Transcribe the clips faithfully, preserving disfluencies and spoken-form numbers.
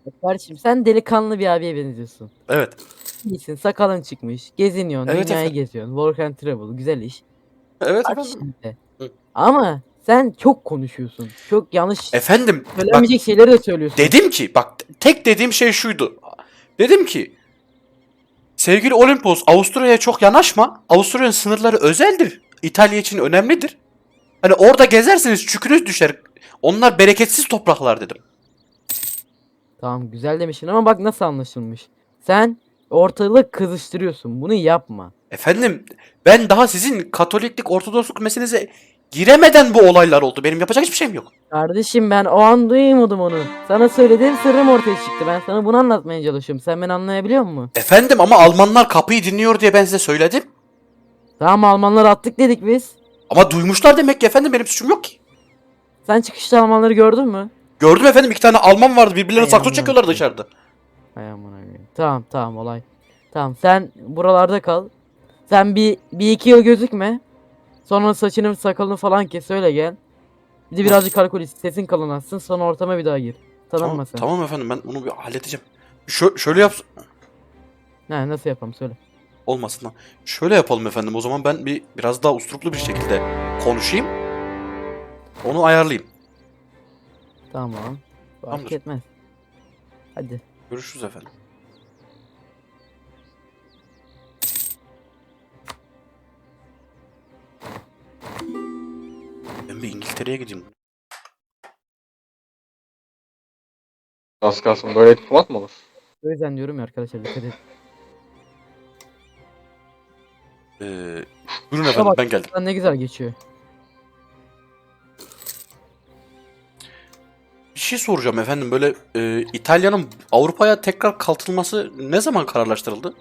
Kardeşim sen delikanlı bir abiye benziyorsun. Evet. İyisin, sakalın çıkmış, geziniyorsun, Evet dünyayı efendim. geziyorsun. Work and travel, güzel iş. Evet Bak efendim. şimdi. Hı. Ama sen çok konuşuyorsun. Çok yanlış Efendim bak söylenmeyecek şeyleri de söylüyorsun. dedim ki bak tek dediğim şey şuydu. Dedim ki sevgili Olimpos Avusturya'ya çok yanaşma. Avusturya'nın sınırları özeldir. İtalya için önemlidir. Hani orada gezerseniz çükünüz düşer. Onlar bereketsiz topraklar dedim. Tamam güzel demişsin ama bak nasıl anlaşılmış. Sen ortalığı kızıştırıyorsun. Bunu yapma. Efendim ben daha sizin Katoliklik Ortodoksluk meselenize giremeden bu olaylar oldu. Benim yapacak hiçbir şeyim yok. Kardeşim ben o an duymadım onu. Sana söylediğim sırrım ortaya çıktı. Ben sana bunu anlatmaya çalışıyorum. Sen beni anlayabiliyor musun? Efendim ama Almanlar kapıyı dinliyor diye ben size söyledim. Tamam Almanları attık dedik biz. Ama duymuşlar demek ki efendim benim suçum yok ki. Sen çıkışta Almanları gördün mü? Gördüm efendim iki tane Alman vardı birbirlerine Hay sakso amına çekiyorlar koyayım. dışarıda. Hay amına koyayım. Tamam tamam olay. Tamam sen buralarda kal. Sen bir, bir iki yıl gözükme. Sonra saçını sakalını falan kes öyle gel. Bir de birazcık alkol iç, sesin kalınlaşsın sonra ortama bir daha gir. Tamam, Tanınma sen. tamam efendim ben onu bir halledeceğim. Şö şöyle yap... Ne nasıl yapalım söyle. Olmasın lan. Şöyle yapalım efendim o zaman ben bir biraz daha usturuplu bir şekilde konuşayım. Onu ayarlayayım. Tamam. Fark Tamamdır. etmez. Hadi. Görüşürüz efendim. Ben bir İngiltere'ye gideyim. Az kalsın böyle diplomat mı olur? O yüzden diyorum ya arkadaşlar dikkat edin. Ee, buyurun Şuna efendim bak ben geldim. lan ne güzel geçiyor. Bir şey soracağım efendim böyle e, İtalya'nın Avrupa'ya tekrar kalkınması ne zaman kararlaştırıldı?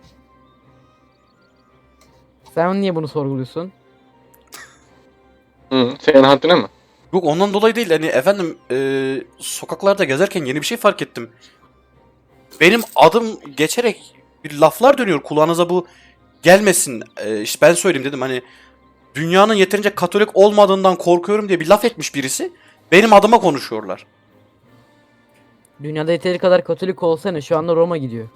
Sen niye bunu sorguluyorsun? Hı, senin haddine mi? Yok ondan dolayı değil hani efendim e, sokaklarda gezerken yeni bir şey fark ettim. Benim adım geçerek bir laflar dönüyor kulağınıza bu gelmesin. E, işte ben söyleyeyim dedim hani dünyanın yeterince Katolik olmadığından korkuyorum diye bir laf etmiş birisi. Benim adıma konuşuyorlar. Dünyada yeteri kadar Katolik olsana şu anda Roma gidiyor.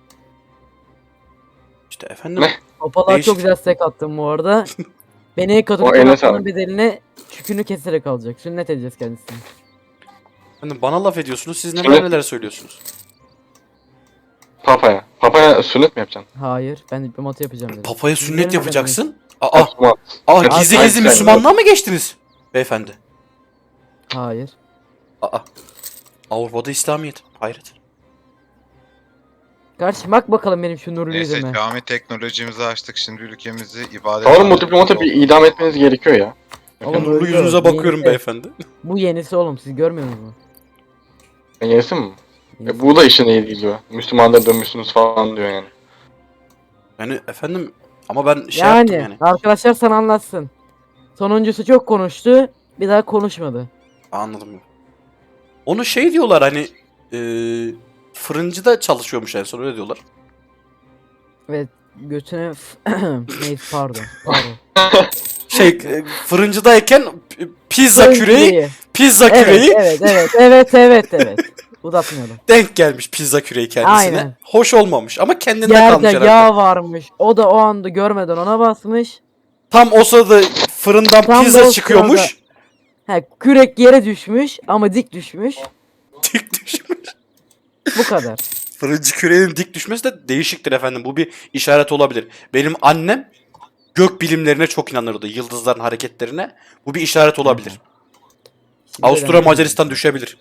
İşte efendim Ne? Papalığa değişik. çok güzel stek attım bu arada. Beni O Katolik eline olmasının sağlık. bedeline çükünü keserek alacak. Sünnet edeceğiz kendisini. Efendim bana laf ediyorsunuz siz neler Sünnet- neler söylüyorsunuz. Papaya. Papaya sünnet mi yapacaksın? Hayır ben diplomatı yapacağım dedim. Papaya Sizin sünnet yerine yapacaksın. Aa, Müslüman. aa Evet, gizli hayır, gizli hayır, Müslümanlığa mı geçtiniz? Beyefendi. Hayır. Aa, Avrupa'da İslamiyet. Hayret. Kardeşim bak bakalım benim şu nurlu Neyse yüzüme. cami teknolojimizi açtık. Şimdi ülkemizi ibadet Sanırım bu diplomatı bir idam etmeniz gerekiyor ya. Oğlum Nurlu öldü o. yüzünüze Bu bakıyorum yenisi. beyefendi. Bu yenisi oğlum siz görmüyor musunuz? Ben yenisi mi? Yenisi. E, bu da işine iyi diyor. Müslümanlara dönmüşsünüz falan diyor yani. Yani efendim ama ben şey yani, yaptım yani. arkadaşlar sana anlatsın. Sonuncusu çok konuştu. Bir daha konuşmadı. Anladım. Onu şey diyorlar hani e, fırıncıda çalışıyormuş en son öyle diyorlar. Evet götüne neyse pardon. Pardon. Şey e, fırıncıdayken p- pizza Fırın küreği, küreği. pizza Evet, küreği evet evet evet evet evet. Uzatmayalım. denk gelmiş pizza küreği kendisine. Aynen. Hoş olmamış ama kendinde Yerde kalmış herhalde. yağ varmış. O da o anda görmeden ona basmış. Tam o sırada fırından Tam da pizza o çıkıyormuş. He, kürek yere düşmüş ama dik düşmüş. Dik düşmüş. Bu kadar. Fırıncı küreğinin dik düşmesi de değişiktir efendim. Bu bir işaret olabilir. Benim annem gök bilimlerine çok inanırdı. Yıldızların hareketlerine. Bu bir işaret olabilir. Şimdi Avusturya önemli Macaristan değil. düşebilir.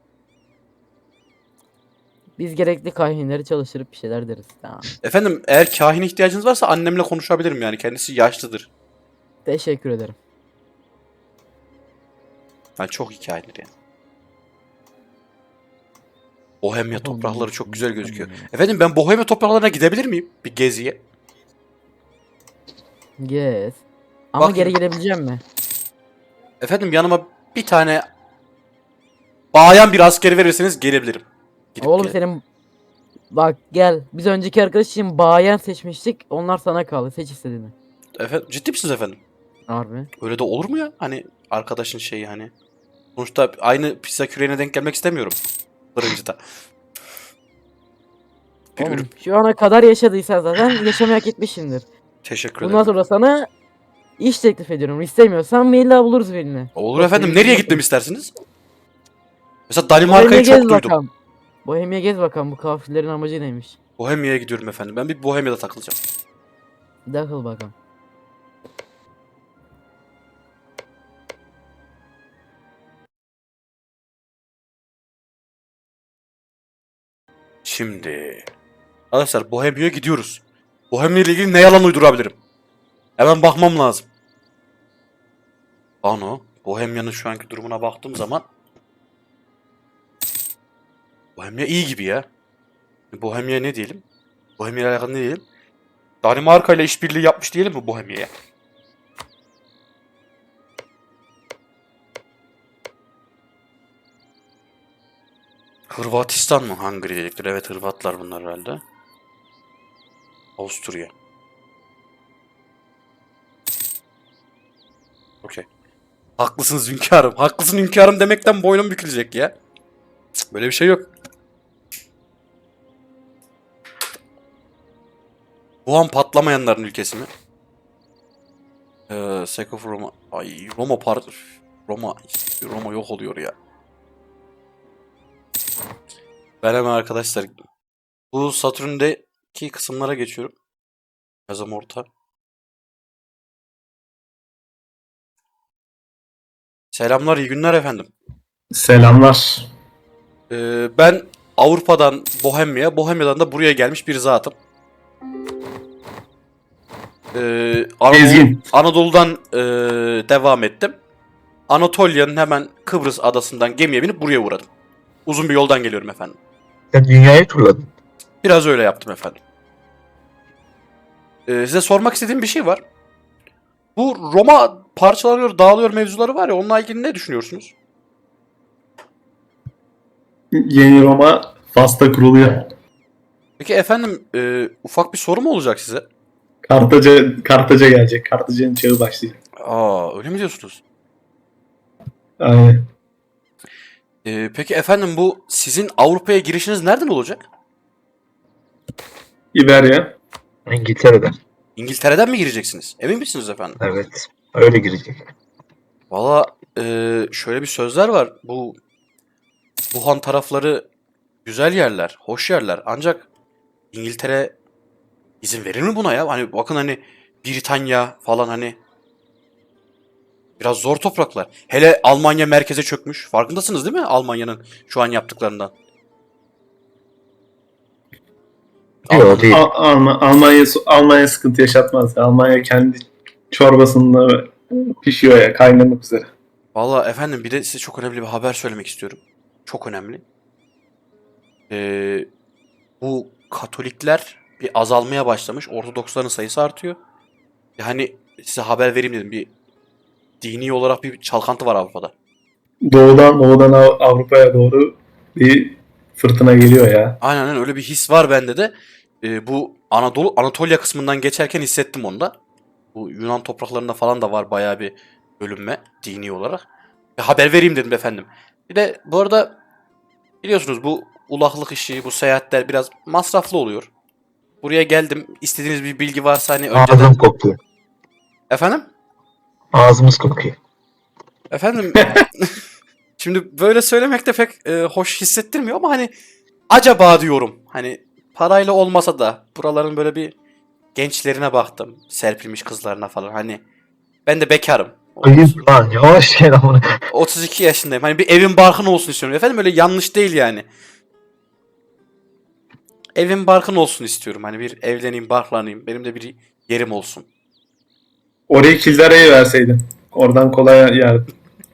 Biz gerekli kahinleri çalıştırıp bir şeyler deriz. Tamam. Efendim eğer kahin ihtiyacınız varsa annemle konuşabilirim yani. Kendisi yaşlıdır. Teşekkür ederim. Yani çok hikayedir yani. Bohemya toprakları çok güzel gözüküyor. Efendim ben Bohemya topraklarına gidebilir miyim? Bir geziye. Yes. Ama Bakayım. geri gelebileceğim mi? Efendim yanıma bir tane bayan bir askeri verirseniz gelebilirim. Gidip Oğlum gele- senin bak gel. Biz önceki arkadaş için bayan seçmiştik. Onlar sana kaldı. Seç istediğini. Efendim ciddi misiniz efendim? Harbi. Öyle de olur mu ya? Hani arkadaşın şeyi hani. Sonuçta aynı pizza küreğine denk gelmek istemiyorum. Fırıncıda. Bir Oğlum, ürün. şu ana kadar yaşadıysan zaten yaşamayı hak etmişsindir. Teşekkür Bundan ederim. sonra sana iş teklif ediyorum. İstemiyorsan maille buluruz birini. Olur Bak, efendim. benim Nereye bildiğim- gitmem istersiniz? Mesela Bohemia Danimarka'yı çok gez duydum. bakalım. Bohemia gez bakalım, bu kafirlerin amacı neymiş. Bohemia'ya gidiyorum efendim. Ben bir Bohemia'da takılacağım. Dakıl bakalım. Şimdi arkadaşlar Bohemia'ya gidiyoruz. Bohemia ile ilgili ne yalan uydurabilirim? Hemen bakmam lazım. Ano, Bohemia'nın şu anki durumuna baktığım zaman Bohemia iyi gibi ya. Bohemia ne diyelim? Bohemia ile alakalı ne diyelim? Danimarka ile işbirliği yapmış diyelim mi Bohemia'ya? Hırvatistan mı? Hungary dedikleri. Evet, Hırvatlar bunlar herhalde. Avusturya. Okey. Haklısınız hünkârım. Haklısın hünkârım demekten boynum bükülecek ya. Cık, böyle bir şey yok. Bu an patlamayanların ülkesi mi? Ee, Sek of Roma. Ay Roma part... Roma... Roma yok oluyor ya. Ben hemen arkadaşlar bu Satürn'deki kısımlara geçiyorum. Yazım orta. Selamlar, iyi günler efendim. Selamlar. Ee, ben Avrupa'dan Bohemya, Bohemya'dan da buraya gelmiş bir zatım. Ee, Anadolu- Ezgin. Anadolu'dan ee, devam ettim. Anatolia'nın hemen Kıbrıs adasından gemiye binip buraya uğradım. Uzun bir yoldan geliyorum efendim. Sen dünyayı turladın. Biraz öyle yaptım efendim. Ee, size sormak istediğim bir şey var. Bu Roma parçalanıyor, dağılıyor mevzuları var ya, onunla ilgili ne düşünüyorsunuz? Yeni Roma Fas'ta kuruluyor. Peki efendim, e, ufak bir soru mu olacak size? Kartaca, Kartaca gelecek. Kartaca'nın çağı başlayacak. Aa, öyle mi diyorsunuz? Aynen. E, peki efendim, bu sizin Avrupa'ya girişiniz nereden olacak? İberya. İngiltere'den. İngiltere'den mi gireceksiniz? Emin misiniz efendim? Evet. Öyle girecek. Valla e, şöyle bir sözler var. Bu Wuhan tarafları güzel yerler, hoş yerler. Ancak İngiltere izin verir mi buna ya? Hani bakın, hani Britanya falan, hani biraz zor topraklar. Hele Almanya merkeze çökmüş. Farkındasınız değil mi Almanya'nın şu an yaptıklarından? Yok değil. Al- Alma- Almanya, Almanya sıkıntı yaşatmaz. Almanya kendi çorbasında pişiyor ya. Kaynamak üzere. Valla efendim, bir de size çok önemli bir haber söylemek istiyorum. Çok önemli. Ee, bu Katolikler bir azalmaya başlamış. Ortodoksların sayısı artıyor. Yani size haber vereyim dedim. Bir dini olarak bir çalkantı var Avrupa'da. Doğudan, doğudan Av- Avrupa'ya doğru bir fırtına geliyor ya. Aynen aynen, öyle bir his var bende de. Ee, bu Anadolu, Anatolia kısmından geçerken hissettim onu da. Bu Yunan topraklarında falan da var bayağı bir bölünme dini olarak. Bir haber vereyim dedim efendim. Bir de bu arada biliyorsunuz bu ulaklık işi, bu seyahatler biraz masraflı oluyor. Buraya geldim. İstediğiniz bir bilgi varsa hani önceden... Ağzım kokuyor. Efendim? Ağzımız kokuyor. Efendim? Şimdi böyle söylemek de pek e, hoş hissettirmiyor ama hani acaba diyorum. Hani parayla olmasa da buraların böyle bir gençlerine baktım. Serpilmiş kızlarına falan. Hani ben de bekarım. Ayıp lan. Yavaş gel amına. otuz iki yaşındayım. Hani bir evin barkın olsun istiyorum. Efendim öyle yanlış değil yani. Evin barkın olsun istiyorum. Hani bir evleneyim, barklanayım. Benim de bir yerim olsun. Orayı Kildare'ye verseydin. Oradan kolay yardım.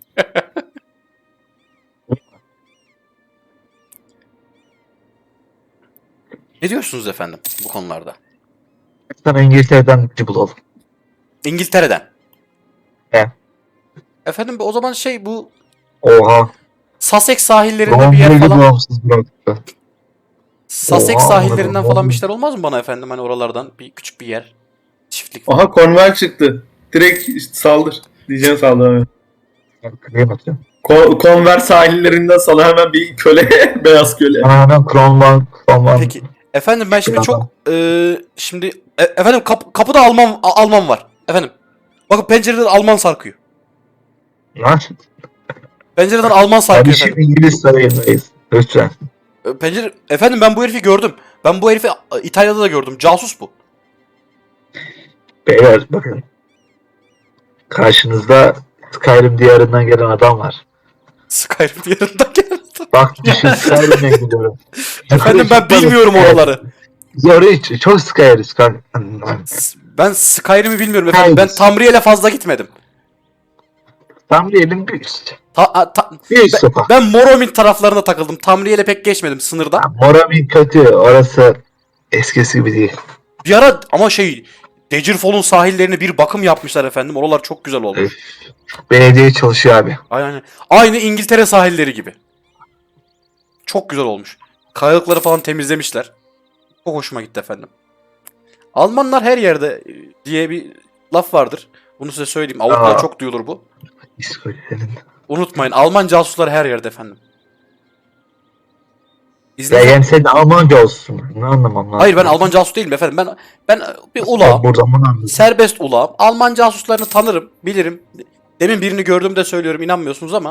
Ne diyorsunuz efendim bu konularda? Sana İngiltere'den bir bulalım. İngiltere'den. He. Efendim o zaman şey, bu Oha. Sussex sahillerinde bir yer Roma'yı falan. bağımsız bıraktı. Sussex Oha, sahillerinden amına falan koyayım. bir şeyler olmaz mı bana efendim? Hani oralardan bir küçük bir yer. Çiftlik falan. Aha Cornwall çıktı. Direkt işte saldır. Diyeceğim saldır. Kırıya bakıyorum. Ko- Conver sahillerinden sana hemen bir köle, beyaz köle. Bana hemen Cromwell, Cromwell. Peki Efendim ben şimdi Ya. çok eee, şimdi e- efendim kap- kapıda Alman A- Alman var. Efendim. Bakın pencereden Alman sarkıyor. Lan Pencereden Alman sarkıyor kardeşim efendim. İngiliz sarayındayız. Lütfen. E, Pencere efendim ben bu herifi gördüm. Ben bu herifi e, İtalya'da da gördüm. Casus bu. Beyler bakın. Karşınızda Skyrim diyarından gelen adam var. Skyrim diyarından geldi. Bak düşün Skyrim'e gidiyorum. Efendim ben bilmiyorum oraları. Zoru hiç. Çok Skyrim. kanka. S- Ben Skyrim'i bilmiyorum efendim. Ben Hayır. Tamriel'e fazla gitmedim. Tam diyelim bir üst. Ta- a- ta- Bir üst sokak. ben Morrowind taraflarına takıldım. Tamriel'e pek geçmedim sınırda. Moramin kötü. Orası eskisi gibi değil. Bir ara ama şey Daggerfall'un sahillerine bir bakım yapmışlar efendim. Oralar çok güzel olmuş. Evet. Belediye çalışıyor abi. Aynen. Aynı İngiltere sahilleri gibi. Çok güzel olmuş. Kayalıkları falan temizlemişler. Çok hoşuma gitti efendim. Almanlar her yerde e, diye bir laf vardır. Bunu size söyleyeyim. Avrupa'da Aa. çok duyulur bu. İskoçya'nın. Unutmayın. Alman casuslar her yerde efendim. Ya İzninizle... yani sen de Almanca olsun. Ne anlamam lazım? Hayır ben Alman casus değilim efendim. Ben ben bir ulağım. Buradan bunu anladım. Serbest ulağım. Alman casuslarını tanırım, bilirim. Demin birini gördüğümde söylüyorum, inanmıyorsunuz ama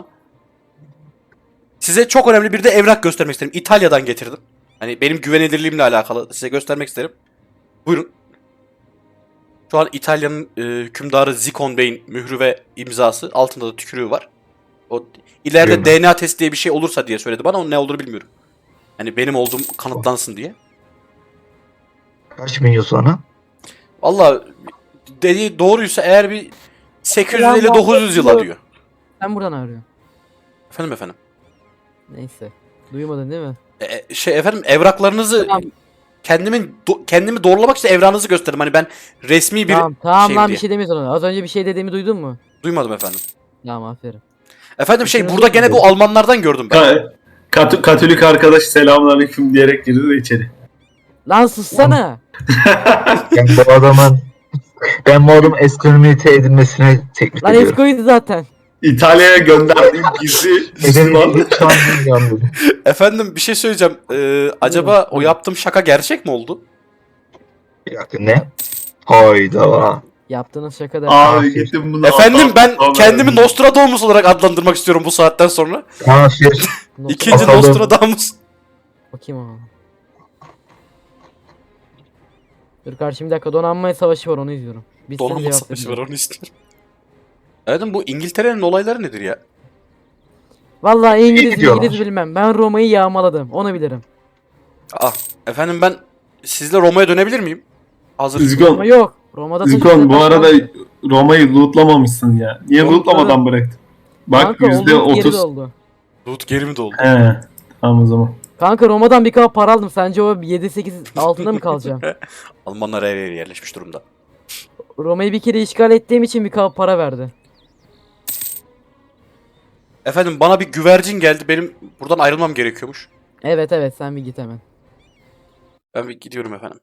size çok önemli bir de evrak göstermek isterim. İtalya'dan getirdim. Hani benim güvenilirliğimle alakalı size göstermek isterim. Buyurun. Şu an İtalya'nın e, hükümdarı Zikon Bey'in mührü ve imzası. Altında da tükürüğü var. O ileride Değil mi? D N A testi diye bir şey olursa diye söyledi bana. Onun ne olduğunu bilmiyorum. Hani benim olduğum kanıtlansın diye. Kaç milyon sonra? Valla dediği doğruysa eğer bir sekiz yüz elli dokuz yüz yıla diyor. Sen buradan arıyorsun. Efendim efendim. Neyse. Duymadın değil mi? E, şey efendim evraklarınızı Tamam. kendimin do- kendimi doğrulamak için evranınızı gösterdim. Hani ben resmi bir Tamam tamam şeyim lan diye. bir şey demiyorsun ona. Az önce bir şey dediğimi duydun mu? Duymadım efendim. Tamam aferin. Efendim şey Düşünün burada gene bakayım. bu Almanlardan gördüm ben. Ka- Kat- Katolik arkadaş selamünaleyküm diyerek girdi de içeri. Lan sussana. Ben bu adamın ben bu adamın ekonomite edilmesine teklif Lan ediyorum. Esko'ydu zaten. İtalya'ya gönderdiğim gizli Müslüman. Edilmesini şu an bilmiyorum dedim. Efendim bir şey söyleyeceğim. Ee, acaba o yaptığım şaka gerçek mi oldu? Bir dakika ne? Hayda. Yaptığınız şaka da. Abi gittim bunu. Efendim ben Allah'ım. kendimi Nostradamus olarak adlandırmak istiyorum bu saatten sonra. Kafir. İkinci Bakalım. Nostradamus. Bakayım ama. Dur karşı bir dakika donanma savaşı var onu izliyorum. Bir sen Donanma cevap savaşı var verin. onu istiyorum. Efendim bu İngiltere'nin olayları nedir ya? Vallahi İngiliz gidiyorlar. İngiliz bilmem. Ben Roma'yı yağmaladım. Onu bilirim. Ah efendim ben sizle Roma'ya dönebilir miyim? Hazır. Ama Zikon, yok. Roma'da Zikon bu taşınan arada kanka. Roma'yı lootlamamışsın ya. Niye Yok, lootlamadan bıraktın? Bak Kanka yüzde olduğum geri otuz. doldu. Loot geri mi doldu? He. Tamam o zaman. Kanka Roma'dan bir kap para aldım. Sence o yedi sekiz altında mı kalacağım? Almanlar her yere yerleşmiş durumda. Roma'yı bir kere işgal ettiğim için bir kap para verdi. Efendim bana bir güvercin geldi. Benim buradan ayrılmam gerekiyormuş. Evet evet sen bir git hemen. Ben bir gidiyorum efendim.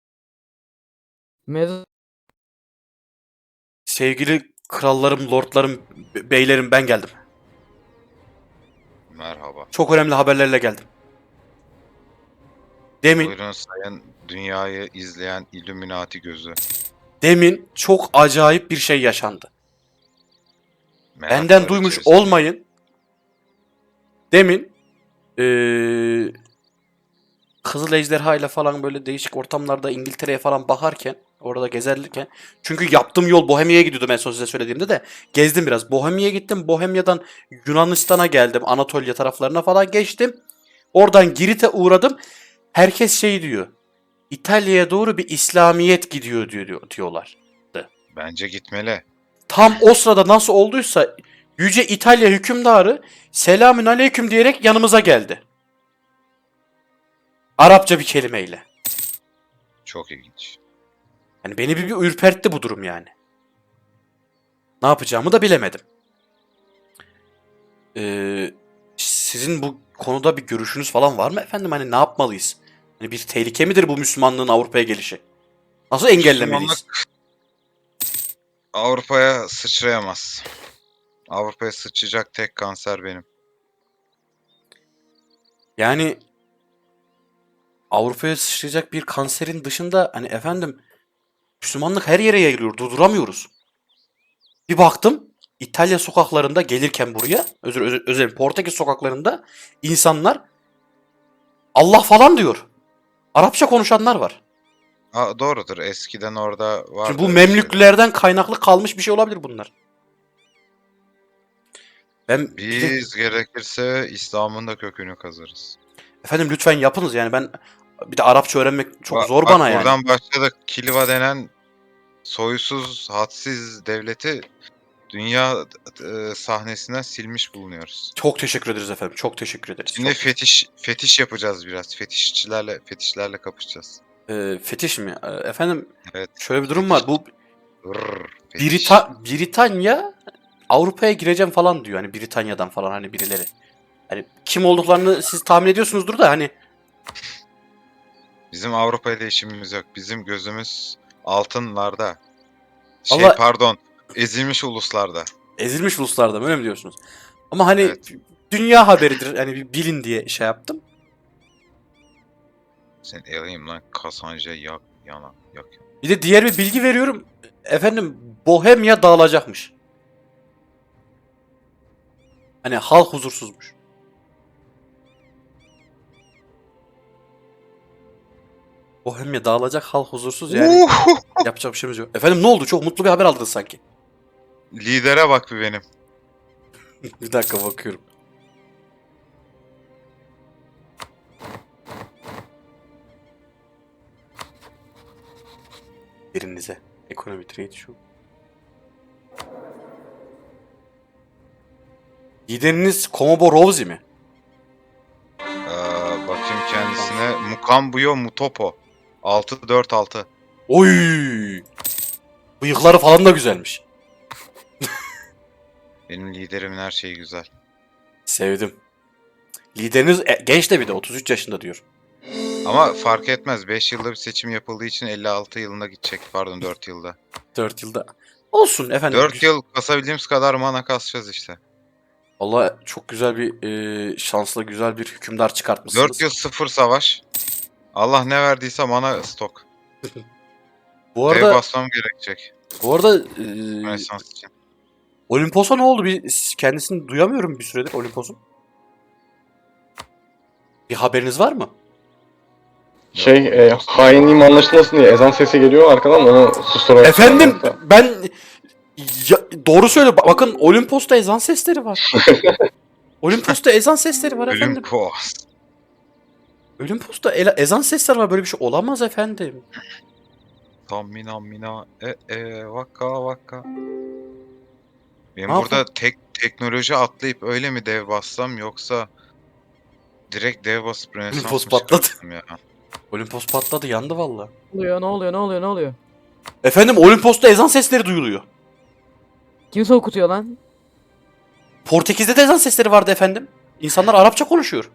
Mevzu Sevgili krallarım, lordlarım, be- beylerim ben geldim. Merhaba. Çok önemli haberlerle geldim. Demin, Buyurun sayın dünyayı izleyen Illuminati gözü. demin çok acayip bir şey yaşandı. Meraklar Benden duymuş içerisinde. olmayın. Demin eee Kızıl Ejderha ile falan böyle değişik ortamlarda İngiltere'ye falan bakarken, orada gezerken, çünkü yaptığım yol Bohemia'ya gidiyordum en son size söylediğimde de gezdim biraz. Bohemia'ya gittim. Bohemia'dan Yunanistan'a geldim. Anatolia taraflarına falan geçtim. Oradan Girit'e uğradım. Herkes şey diyor. İtalya'ya doğru bir İslamiyet gidiyor diyor, diyorlar. Bence gitmeli. Tam o sırada nasıl olduysa Yüce İtalya hükümdarı selamün aleyküm diyerek yanımıza geldi. Arapça bir kelimeyle. Çok ilginç. Yani beni bir, bir ürpertti bu durum yani. Ne yapacağımı da bilemedim. Ee, sizin bu konuda bir görüşünüz falan var mı efendim? Hani ne yapmalıyız? Hani bir tehlike midir bu Müslümanlığın Avrupa'ya gelişi? Nasıl engellemeliyiz? Müslümanlık Avrupa'ya sıçrayamaz. Avrupa'ya sıçrayacak tek kanser benim. Yani Avrupa'ya sıçrayacak bir kanserin dışında hani efendim Müslümanlık her yere yayılıyor. Durduramıyoruz. Bir baktım İtalya sokaklarında gelirken buraya özür özür özür Portekiz sokaklarında insanlar Allah falan diyor. Arapça konuşanlar var. Ha, doğrudur. Eskiden orada vardı. Şimdi bu öyle şeyler. Memlüklerden kaynaklı kalmış bir şey olabilir bunlar. Ben bir de- Biz gerekirse İslam'ın da kökünü kazırız. efendim lütfen yapınız yani ben bir de Arapça öğrenmek çok Bak- zor bak bana yani. Buradan başladık. Kilva denen soysuz, hadsiz devleti dünya e, sahnesinden silmiş bulunuyoruz. Çok teşekkür ederiz efendim. Çok teşekkür ederiz. Şimdi Çok- fetiş fetiş yapacağız biraz. Fetişçilerle fetişlerle kapışacağız. Ee, fetiş mi? Ee, efendim Evet. şöyle bir durum var. Bu Rrr, fetiş. Brita Britanya Avrupa'ya gireceğim falan diyor. Hani Britanya'dan falan hani birileri. Hani kim olduklarını siz tahmin ediyorsunuzdur da hani Bizim Avrupa ile işimiz yok. Bizim gözümüz altınlarda. Şey Allah- pardon, ezilmiş uluslarda. ezilmiş uluslarda mı öyle mi diyorsunuz? Ama hani Evet. dünya haberidir. Hani bir bilin diye şey yaptım. Sen eleyim lan Kasanca yak yana yak. Bir de diğer bir bilgi veriyorum. Efendim Bohemya dağılacakmış. Hani halk huzursuzmuş. Bohemya dağılacak, halk huzursuz yani. Yapacak bir şeyimiz yok. Efendim ne oldu? Çok mutlu bir haber aldınız sanki. Lidere bak bir benim. Bir dakika bakıyorum. Yerinize. Ekonomi trade şu. Lideriniz Komobo Rosie mi? Ee, bakayım kendisine. Mukambuyo Mutopo. altı dört altı. Oy! Bıyıkları falan da güzelmiş. Benim liderimin her şeyi güzel. Sevdim. Lideriniz e, genç de bir de otuz üç yaşında diyor. Ama fark etmez. beş yılda bir seçim yapıldığı için elli altı yılında gidecek. Pardon dört yılda. dört yılda. Olsun efendim. dört yıl kasabildiğimiz kadar mana kasacağız işte. Valla çok güzel bir e, şanslı güzel bir hükümdar çıkartmışsınız. dört yıl sıfır savaş. Allah ne verdiyse mana stok. Bu Dev arada basmam gerekecek. bu arada e, Rönesans için. Olimpos'a ne oldu? Bir kendisini duyamıyorum bir süredir Olimpos'un. Bir haberiniz var mı? Şey, e, hainliğim anlaşılmasın diye ezan sesi geliyor arkadan onu susturarak. Efendim ben ya, doğru söyle. Ba- Bakın Olimpos'ta ezan sesleri var. Olimpos'ta ezan sesleri var efendim. Olimpos. Olimpos'ta ele- ezan sesleri var. Böyle bir şey olamaz efendim. Tam mina mina e e vaka vaka. Benim Ne burada yapalım? tek teknoloji atlayıp öyle mi dev bassam yoksa direkt dev basıp Rönesans Olimpos mı patladı. çıkartsam ya? Olimpos patladı, yandı valla. Ne oluyor ne oluyor ne oluyor ne oluyor? Efendim Olimpos'ta ezan sesleri duyuluyor. Kim okutuyor lan? Portekiz'de de ezan sesleri vardı efendim. İnsanlar Arapça konuşuyor.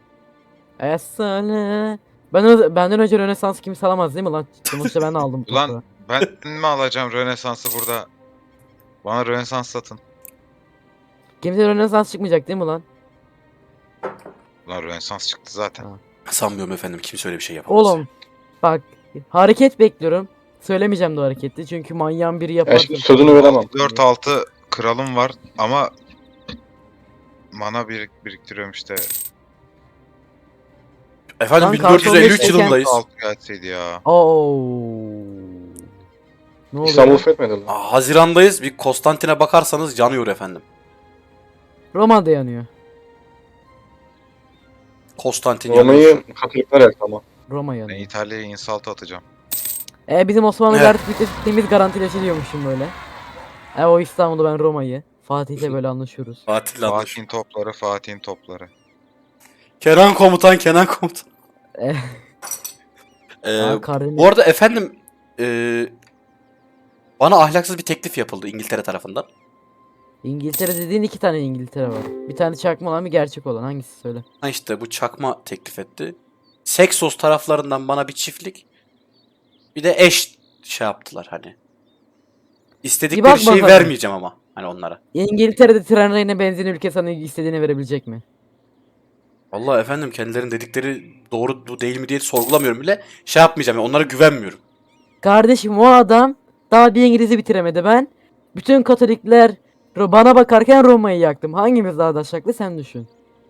Esale. Ben ö- benden önce Rönesans kimse alamaz değil mi lan? Sonuçta ben aldım. bu Ulan toprağı. ben mi alacağım Rönesans'ı burada? Bana Rönesans satın. Kimse Rönesans çıkmayacak değil mi lan? Ulan Rönesans çıktı zaten. Ha. Sanmıyorum efendim, kimse öyle bir şey yapamaz. Oğlum bak hareket bekliyorum. Söylemeyeceğim de o hareketi çünkü manyağın biri yapar. Ya şimdi sözünü veremem. dört altı kralım var ama mana birik biriktiriyorum işte. Efendim Lan bin dört yüz elli üç karton yılındayız. altı gelseydi ya. Oo. Ne oluyor? İstanbul lan? fetmediler. Aa, Haziran'dayız. Bir Konstantin'e bakarsanız yanıyor efendim. Roma'da yanıyor. Konstantin yanıyor. Roma'yı Katolikler yaktı ama. Roma Ben yanıyor. İtalya'ya insult atacağım. E bizim Osmanlı Evet. artık temiz garantileşiliyormuşum böyle. E o İstanbul'u ben Roma'yı. Fatih'le böyle anlaşıyoruz. Fatih'le anlaşıyor. Fatih'in topları, Fatih'in topları. Kenan komutan, Kenan komutan. Eh. Ee, Aa, Karadeniz- bu arada efendim ee, bana ahlaksız bir teklif yapıldı İngiltere tarafından. İngiltere dediğin iki tane İngiltere var. Bir tane çakma olan bir gerçek olan. Hangisi söyle? Ha işte bu çakma teklif etti. Seksos taraflarından bana bir çiftlik, bir de eş şey yaptılar hani. Bir İstedikleri bak şeyi bakalım. vermeyeceğim ama hani onlara. İngiltere'de tren rayına benzin ülke sana istediğini verebilecek mi? Vallahi efendim kendilerinin dedikleri doğru bu değil mi diye sorgulamıyorum bile. Şey yapmayacağım yani onlara güvenmiyorum. Kardeşim o adam daha bir İngiliz'i bitiremedi. Ben bütün Katolikler Ro- bana bakarken Roma'yı yaktım. Hangimiz daha daşaklı sen düşün.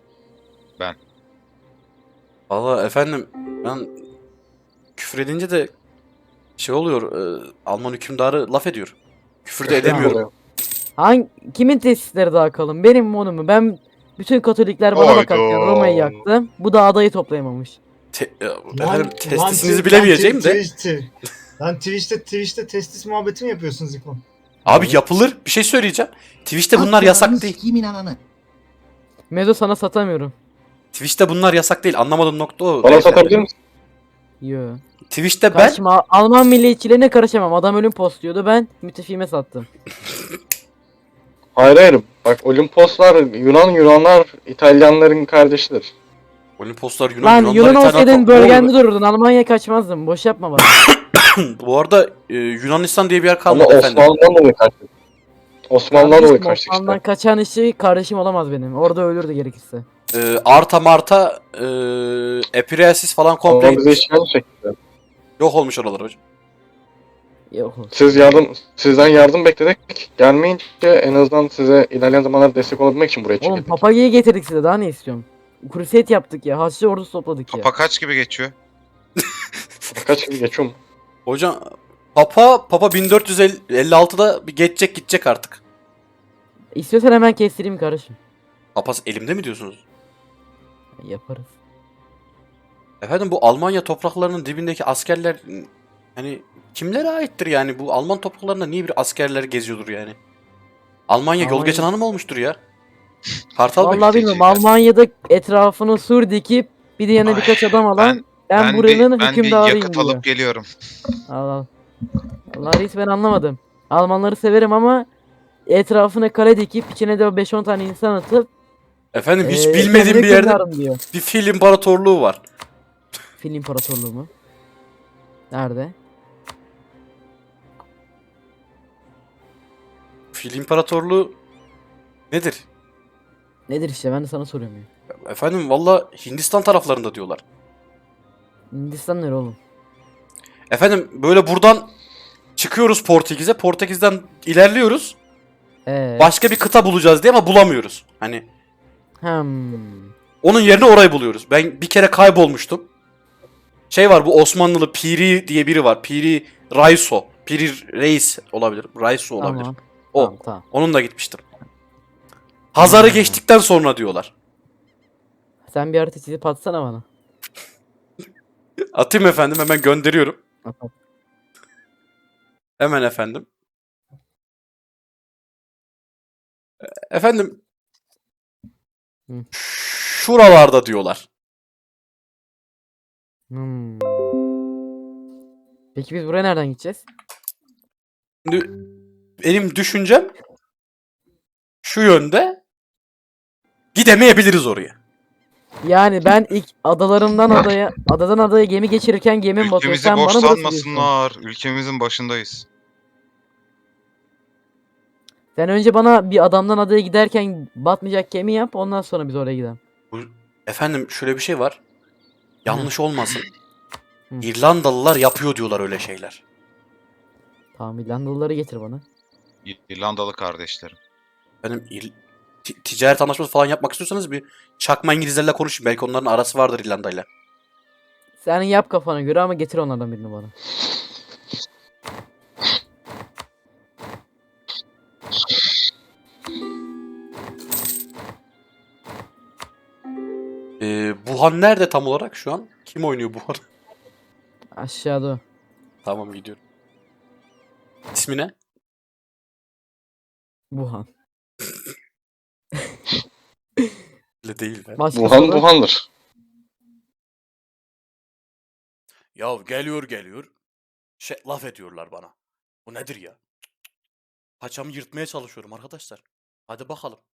Vallahi efendim ben küfür edince de şey oluyor. e, Alman hükümdarı laf ediyor. Küfür de edemiyorum. Oluyor. Hangi kimin tesisleri daha kalın? Benim mi onun mu? Ben bütün Katolikler bana Hayda. bakarken Roma'yı yaktım. Bu da adayı toplayamamış. Te- e, Lan- efendim lan testisinizi Twi- bilemeyeceğim lan de. Twitch- Lan Twitch'te Twitch'te testis muhabbeti mi yapıyorsunuz İkon? Abi yapılır. Bir şey söyleyeceğim. Twitch'te bunlar yasak değil. Mezo sana satamıyorum. Twitch'te bunlar yasak değil. Anlamadığım nokta o. Bana beyefendi. satabilir misin? Yo. Twitch'te ben Karşıma Alman milliyetçilerine karışamam. Adam ölüm postluyordu. Ben müttefiğime sattım. Hayır hayır. Bak Olimposlar Yunan Yunanlar İtalyanların kardeşidir. Olimposlar Yunan Lan Yunanlar Yunan İtalyan- olsaydın Ne bölgende oluyor dururdun. Almanya'ya kaçmazdın. Boş yapma bana. be? Bu arada e, Yunanistan diye bir yer Ama kalmadı efendim. Osmanlı'dan dolayı kaçtık. Osmanlı'dan dolayı Kardeşim, kaçtık işte. Osmanlı'dan kaçan işi kardeşim olamaz benim. Orada ölürdü gerekirse. E, Arta Marta e, Epireasis falan komple Ama bize gitmiş. işgal çekti. Yok olmuş oralar hocam. Yok. Siz yardım, sizden yardım bekledik. Gelmeyince en azından size ilerleyen zamanlarda destek olabilmek için buraya Oğlum çekildik. papagayı getirdik size. Daha ne istiyorsun? Crusade yaptık ya. Haçlı ordusu topladık ya. Papa kaç gibi geçiyor? Kaç gibi geçiyor mu? Hocam Papa Papa bin dört yüz elli altıda bir geçecek gidecek artık. İstiyorsan hemen kestireyim kardeşim. Papaz elimde mi diyorsunuz? Yaparız. Efendim bu Almanya topraklarının dibindeki askerler hani kimlere aittir yani? Bu Alman topraklarında niye bir askerler geziyordur yani? Almanya yol Almanya- geçen hanım olmuştur ya. Kartal Bey. Vallahi bilmiyorum. Almanya'da etrafını sur dikip bir de yanına Ay, birkaç adam alan Ben, ben, ben, buranın bir, ben bir hükümdarıyım yakıt diyor. alıp geliyorum. Allah Allah. Allah reis ben anlamadım. Almanları severim ama etrafına kale dikip içine de beş on tane insan atıp Efendim hiç eee, bilmediğim kendine bir yerde hükümdarım diyor. bir fil imparatorluğu var. Fil İmparatorluğu mu? Nerede? Fil imparatorluğu nedir? Nedir işte ben de sana soruyorum ya. Efendim valla Hindistan taraflarında diyorlar. Hindistan nere oğlum? Efendim böyle buradan çıkıyoruz Portekiz'e. Portekiz'den ilerliyoruz. Eee. Başka bir kıta bulacağız diye ama bulamıyoruz. Hani Hmm. onun yerine orayı buluyoruz. Ben bir kere kaybolmuştum. Şey var bu Osmanlılı Piri diye biri var. Piri Raiso. Piri Reis olabilir. Raiso olabilir. Tamam. O. Tamam tamam. Onunla gitmiştim. Hazar'ı Hmm. geçtikten sonra diyorlar. Sen bir harita çizip atsana bana. Atayım efendim hemen gönderiyorum. At, at. Hemen efendim. E- Efendim. Hı. Şuralarda diyorlar. Hmm. Peki biz buraya nereden gideceğiz? Şimdi benim düşüncem şu yönde. Gidemeyebiliriz oraya. Yani ben ilk adalarımdan adaya, adadan adaya gemi geçirirken gemim batıyor. Ülkemizi Sen boş bana burası diyorsun. sanmasınlar. Ülkemizin başındayız. Sen önce bana bir adamdan adaya giderken batmayacak gemi yap, ondan sonra biz oraya gidelim. Bu, efendim şöyle bir şey var. Yanlış olmasın. Hı. İrlandalılar yapıyor diyorlar öyle şeyler. Tamam, İrlandalıları getir bana. İrlandalı kardeşlerim. Benim İr- ti- ticaret anlaşması falan yapmak istiyorsanız bir çakma İngilizlerle konuşun. Belki onların arası vardır İrlanda'yla. Sen yap kafana göre ama getir onlardan birini bana. Ee, Buhan nerede tam olarak şu an? Kim oynuyor Buhan? Aşağıda. Tamam gidiyorum. İsmi ne? Wuhan. Öyle değil be. Başka Wuhan soru? Wuhan'dır. Ya geliyor geliyor. Şey laf ediyorlar bana. Bu nedir ya? Paçamı yırtmaya çalışıyorum arkadaşlar. Hadi bakalım.